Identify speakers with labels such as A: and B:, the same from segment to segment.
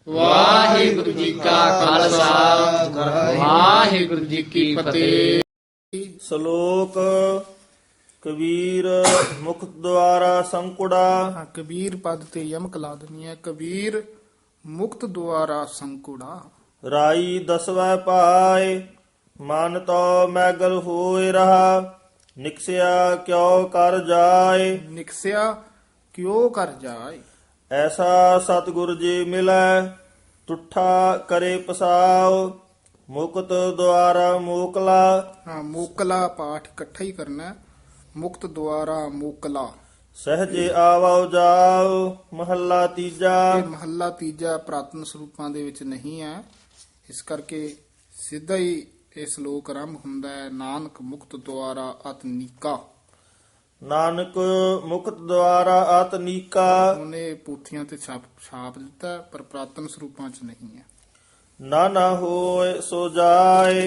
A: ਵਾਹਿਗੁਰੂ ਜੀ ਕਾ ਖਾਲਸਾ ਵਾਹਿਗੁਰੂ ਜੀ ਕੀ ਫਤਿਹ।
B: ਸ਼ਲੋਕ ਕਬੀਰ ਮੁਖ ਦੁਆਰਾ ਸੰਕੁੜਾ।
C: ਕਬੀਰ ਪਦ ਤੇ ਯਮਕ ਲਾ ਦੇਣੀ ਹੈ। ਕਬੀਰ ਮੁਕਤ ਦੁਆਰਾ ਸੰਕੁੜਾ।
B: ਰਾਈ ਦਸਵੈ ਪਾਏ ਮਨ ਤੋ ਮੈਗਲ ਹੋਏ ਰਹਾ। ਨਿਕਸਿਆ ਕਿਉ ਕਰ ਜਾਏ
C: ਨਿਕਸਿਆ ਕਿਉ ਕਰ ਜਾਏ।
B: ਐਸਾ ਸਤਿਗੁਰ ਜੀ ਮਿਲੈ ਤੁਠਾ ਕਰੇ ਪਸਾਉ। ਮੁਕਤ ਦੁਆਰਾ ਮੋਕਲਾ।
C: ਮੋਕਲਾ ਪਾਠ ਇਕੱਠਾ ਹੀ ਕਰਨਾ ਹੈ। ਮੁਕਤ ਦੁਆਰਾ ਮੋਕਲਾ।
B: ਸਹਜੇ ਆਵੋ ਜਾਓ ਮਹੱਲਾ ਤੀਜਾ।
C: ਇਹ ਮਹੱਲਾ ਤੀਜਾ ਪ੍ਰਾਤਨ ਸਰੂਪਾਂ ਦੇ ਵਿੱਚ ਨਹੀਂ ਹੈ, ਇਸ ਕਰਕੇ ਸਿੱਧਾ ਹੀ ਇਹ ਸ਼ਲੋਕ ਆਰੰਭ ਹੁੰਦਾ ਹੈ। ਨਾਨਕ ਮੁਕਤ ਦੁਆਰਾ ਅਤਨੀਕਾ।
B: ਨਾਨਕ ਮੁਕਤ ਦੁਆਰਾ ਆਤਨੀਕਾ।
C: ਉਹਨੇ ਪੂਥੀਆਂ ਤੇ ਛਾਪ ਦਿੱਤਾ, ਪਰ ਪ੍ਰਾਤਨ ਸਰੂਪਾਂ ਚ ਨਹੀਂ ਹੈ।
B: ਨਾ ਹੋਏ ਸੋ ਜਾਏ।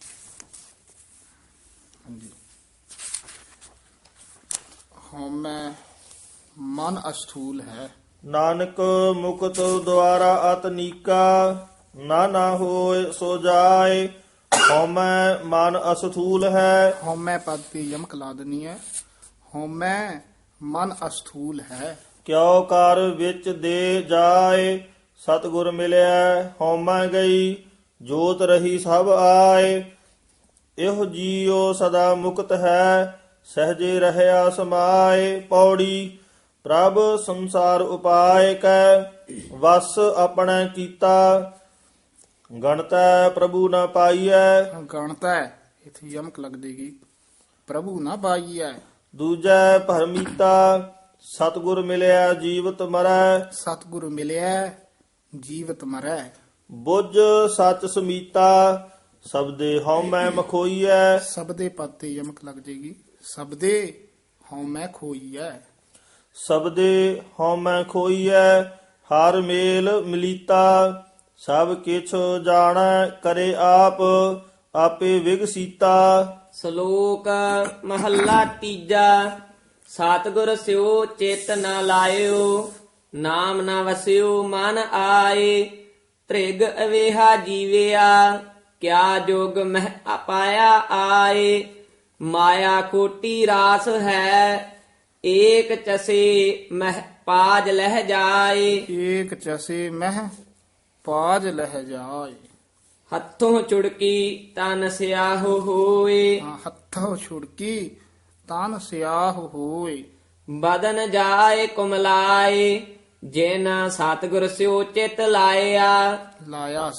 C: ਹਾਂਜੀ। ਹਉਮੈ ਮਨ ਅਸਥੂਲ ਹੈ।
B: ਨਾਨਕ ਮੁਕਤ ਦੁਆਰਾ ਆਤਨੀਕਾ। ਨਾ ਹੋਏ ਸੋ ਜਾਏ। ਹਉਮੈ ਮਨ ਅਸਥੂਲ ਹੈ।
C: ਹਉਮੈ ਪਦ ਤੇ ਯਮਕ ਲਾ ਦੇਣੀ ਹੈ। ਹਉਮੈ ਮਨ ਅਸਥੂਲ ਹੈ।
B: ਕਿਉ ਕਰ ਵਿੱਚ ਦੇ ਜਾਏ। ਸਤਿਗੁਰ ਮਿਲਿਆ ਹਉਮੈ ਗਈ ਜੋਤ ਰਹੀ ਸਭ ਆਏ। ਇਹੋ ਜੀਉ ਸਦਾ ਮੁਕਤ ਹੈ ਸਹਜੇ ਰਹਿਆ ਸਮਾਏ। ਪੌੜੀ ਪ੍ਰਭ ਸੰਸਾਰ ਉਪਾਇ ਕੈ ਵਸ ਆਪਣਾ ਕੀਤਾ। ਗਣਤੈ ਪ੍ਰਭੂ ਨ ਪਾਈਐ।
C: ਗਣਤਾ ਹੈ, ਇੱਥੇ ਯਮਕ ਲੱਗ ਜੇਗੀ। ਪ੍ਰਭੂ ਨਾ ਪਾਈਐ।
B: ਦੂਜੈ ਭਰਮੀਤਾ ਸਤਿਗੁਰ ਮਿਲਿਆ ਜੀਵਤ ਮਰੈ।
C: ਸਤਿਗੁਰੂ ਮਿਲਿਆ ਜੀਵਤ ਮਰੈ।
B: ਬੁੱਝ ਸੱਚ ਸਮੀਤਾ ਸਬਦੇ ਹਉਮੈ ਮਖੋਈਐ।
C: ਸਬਦੇ ਪਦ ਤੇ ਯਮਕ ਲੱਗ ਜੇਗੀ। ਸਬਦੇ ਹਉਮੈ ਖੋਈਐ।
B: ਸਬਦੇ ਹਉਮੈ ਖੋਈਐ। ਹਰ ਮੇਲ ਮਿਲੀਤਾ ਸਭ ਕਿਛ ਜਾਣੈ ਕਰੇ ਆਪ ਆਪੇ ਵਿਗਸੀਤਾ।
A: ਸ਼ਲੋਕ ਮਹੱਲਾ ਤੀਜਾ। ਸਤਿਗੁਰ ਸਿਓ ਚਿਤ ਨ ਲਾਇਓ ਨਾਮ ਨ ਵਸਿਓ ਮਨ ਆਏ। ਤ੍ਰਿਗ ਅਵੇਹਾ ਜੀਵਿਆ ਕਿਆ ਜੋਗ ਮਹਿ ਅਪਾਇਆ ਆਏ। ਮਾਇਆ ਕੋਟੀ ਰਾਸ ਹੈ ਏਕ ਚਸੇ ਮਹਿ ਪਾਜ ਲਹਿ ਜਾਏ।
C: ਏਕ ਚਸੇ ਮਹਿ ਪਾਜ ਲਹਿ ਜਾਏ।
A: ਹੱਥੋਂ ਚੁੜਕੀ ਤਨ ਸਿਆਹੋ ਹੋਏ।
C: ਹੱਥੋਂ ਛੁੜਕੀ ਤਨ ਸਿਆਹ ਹੋਏ।
A: ਬਦਨ ਜਾਏ ਕੁਮਲਾਏ ਜਿਨ ਸਤਿਗੁਰ ਸਿਓ ਚਿਤ ਲਾਇਆ।
C: ਲਾਇਆ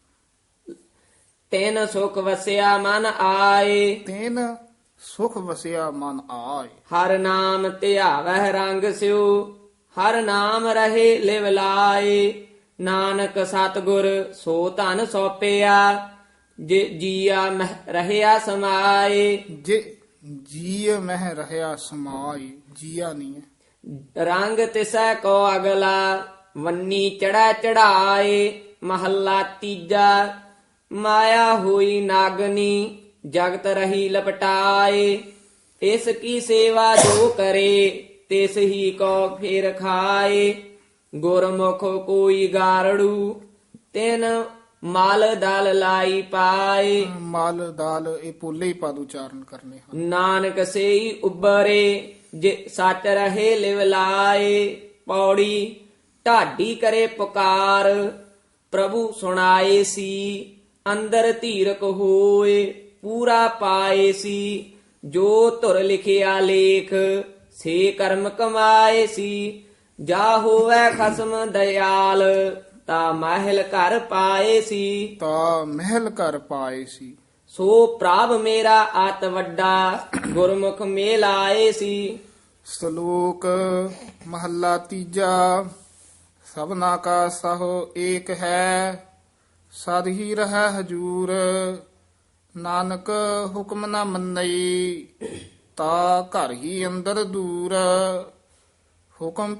A: ਤਿਨ ਸੁਖ ਵਸਿਆ ਮਨ ਆਏ।
C: ਤੈਨ ਸੁਖ ਵਸਿਆ ਮਨ ਆਏ।
A: ਹਰ ਨਾਮ ਧਿਆਵਹਿ ਰੰਗ ਸਿਓ ਹਰ ਨਾਮ ਰਹੇ ਲਿਵ ਲਾਏ। ਨਾਨਕ ਸਤਿਗੁਰ ਸੋ ਧਨ ਸੋਪਿਆ ਜੇ ਜੀਆ ਮਹਿ ਰਹਿਆ ਸਮਾਏ।
C: ਜੇ ਜੀਅ ਮਹਿ ਰਹਿਆ ਸਮਾਈ। ਜੀਆ ਨਹੀਂ ਹੈ।
A: ਰੰਗ ਤਿਸੈ ਕੋ ਅਗਲਾ ਵੰਨੀ ਚੜਾ ਚੜਾਏ। ਮਹੱਲਾ ਤੀਜਾ। ਮਾਇਆ ਹੋਈ ਨਾਗਨੀ ਜਗਤ ਰਹੀ ਲਪਟਾਏ। ਇਸ ਕੀ ਸੇਵਾ ਜੋ ਕਰੇ ਤਿਸ ਹੀ ਕੋ ਫੇਰ ਖਾਏ। ਗੁਰਮੁਖ ਕੋਈ ਗਾਰੜੂ ਤਿਨ ਮਲ ਦਲ ਲਾਈ ਪਾਏ।
C: ਮਲ ਦਾਲ ਇਹ ਪੋਲੇ ਹੀ ਪਦ ਉਚਾਰਨ ਕਰਨੇ ਹਨ।
A: ਨਾਨਕ ਸੇਈ ਉਬਰੇ ਜੇ ਸੱਚ ਰਹੇ ਲਿਵ ਲਾਏ। ਪੌੜੀ ਢਾਡੀ ਕਰੇ ਪੁਕਾਰ ਪ੍ਰਭੂ ਸੁਣਾਏ ਸੀ। ਅੰਦਰ ਧੀਰਕ ਹੋਏ ਪੂਰਾ ਪਾਏ ਸੀ। ਜੋ ਧੁਰ ਲਿਖਿਆ ਲੇਖ ਸੇ ਕਰਮ ਕਮਾਏ ਸੀ। ਜਾ ਹੋਵੇ ਖਸਮ ਦਇਆਲ ਤਾ ਮਹਿਲ ਘਰ ਪਾਏ ਸੀ।
C: ਤਾਂ ਮਹਿਲ ਘਰ ਪਾਏ ਸੀ।
A: ਸੋ ਪ੍ਰਭ ਮੇਰਾ ਆਤ ਵੱਡਾ ਗੁਰਮੁਖ ਮੇਲ ਆਏ ਸੀ।
C: ਸ਼ਲੋਕ ਮਹੱਲਾ ਤੀਜਾ। ਸਭਨਾ ਕਾ ਸਹੁ ਏਕ ਹੈ ਸਦ ਹੀ ਰਹਿ ਹਜੂਰ। ਨਾਨਕ ਹੁਕਮ ਨਾ ਮੰਨਈ ਤਾ ਘਰ ਹੀ ਅੰਦਰ ਦੂਰ। ਹੁਕਮ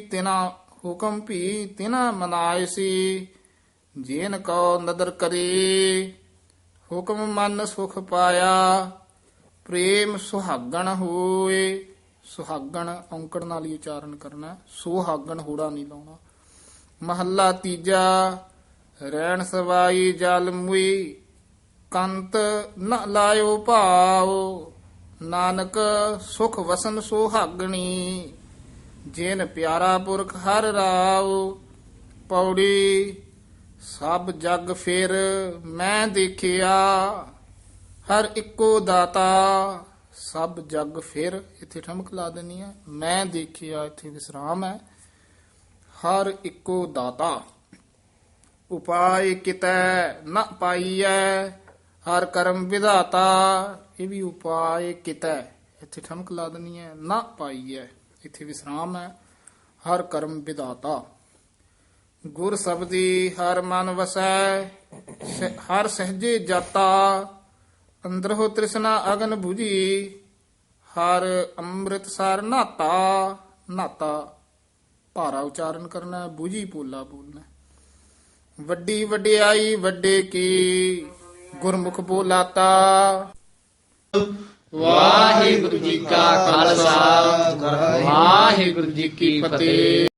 C: ਵੀ ਤਿਨਾ ਮਨਾਏ ਸੀ ਜੇਨ ਕੋ ਨਦਰ ਕਰੇ। ਹੁਕਮ ਮਨ ਸੁਖ ਪਾਇਆ ਪ੍ਰੇਮ ਸੁਹਾਗਣ ਹੋਏ। ਸੁਹਾਗਣ ਔਂਕੜ ਨਾਲ ਹੀ ਉਚਾਰਨ ਕਰਨਾ, ਸੁਹਾਗਣ ਹੋੜਾ ਨਹੀਂ ਲਾਉਣਾ। ਮਹੱਲਾ ਤੀਜਾ। ਰੈਣ ਸਵਾਈ ਜਲ ਮੁਈ ਕੰਤ ਨ ਲਾਇਓ ਭਾਉ, ਨਾਨਕ ਸੁਖ ਵਸਨ ਸੁਹਾਗਣੀ, ਜਿਨ ਪਿਆਰਾ ਪੁਰਖ ਹਰ ਰਾਉ। ਪੌੜੀ ਸਭ ਜਗ ਫਿਰ ਮੈਂ ਦੇਖਿਆ, ਹਰ ਇੱਕੋ ਦਾਤਾ ਸਭ ਜਗ ਫਿਰ, ਇੱਥੇ ਠਮਕ ਲਾ ਦੇਣੀ ਹੈ। ਮੈਂ ਦੇਖਿਆ, ਇੱਥੇ ਵਿਸਰਾਮ ਹੈ। ਹਰ ਇੱਕੋ ਦਾਤਾ। ਉਪਾਇ ਕਿਤੈ ਨ ਪਾਈਐ, ਹਰ ਕਰਮ ਵਿਧਾਤਾ। ਇਹ ਵੀ ਉਪਾਇ ਕਿਤੈ, ਇੱਥੇ ਠਮਕ ਲਾ ਦੇਣੀ ਹੈ। ਨ ਪਾਈਐ, ਇੱਥੇ ਵਿਸਰਾਮ ਹੈ। ਹਰ ਕਰਮ ਵਿਧਾਤਾ। ਗੁਰ ਸਬਦੀ ਹਰ ਮਨ ਵਸੈ, ਹਰ ਸਹਜੇ ਜਾਤਾ। ਅੰਦਰੋ ਤ੍ਰਿਸ਼ਨਾ ਅਗਨ 부ਜੀ, ਹਰ ਅੰਮ੍ਰਿਤ ਸਰ ਨਾਤਾ। ਨਾਤਾ ਭਾਰਾ ਉਚਾਰਨ ਕਰਨਾ ਹੈ, 부ਜੀ ਪੋਲਾ ਬੋਲਣਾ। ਵੱਡੀ ਵਡਿਆਈ ਵੱਡੇ ਕੀ, ਗੁਰਮੁਖ ਬੋਲਾਤਾ। ਵਾਹਿਗੁਰੂ ਜੀ ਕਾ ਖਾਲਸਾ, ਵਾਹਿਗੁਰੂ ਜੀ ਕੀ ਫਤਿਹ।